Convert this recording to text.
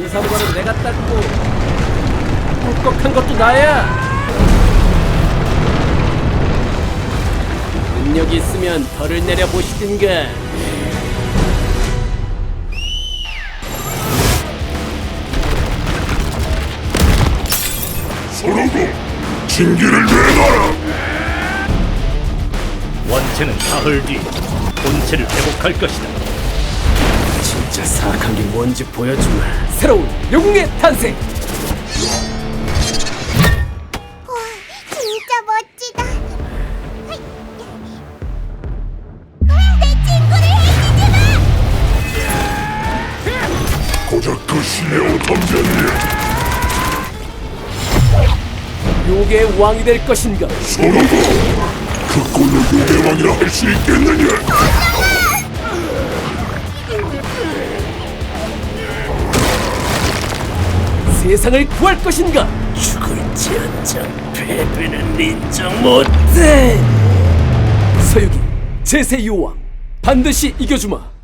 인사무관은 내가 닦고 꿀꺽한 것도 나야. 능력이 있으면 벌을 내려보시든가. 서로고 진기를 내놔라. 원체는 사흘 뒤 본체를 회복할 것이다. 진짜 사악한 게 뭔지 보여주마. 새로운 영웅의 탄생. 와, 진짜 멋지다. 하이. 내 친구를 해치지 마! 고작 그 신의 오탐자니 요괴의 왕이 될 것인가? 서로고 그 꼴로 유대왕이라 할 수 있겠느냐. 세상을 구할 것인가? 죽을지언정 패배는 인정 못해. 서유기 제세 요왕 반드시 이겨주마.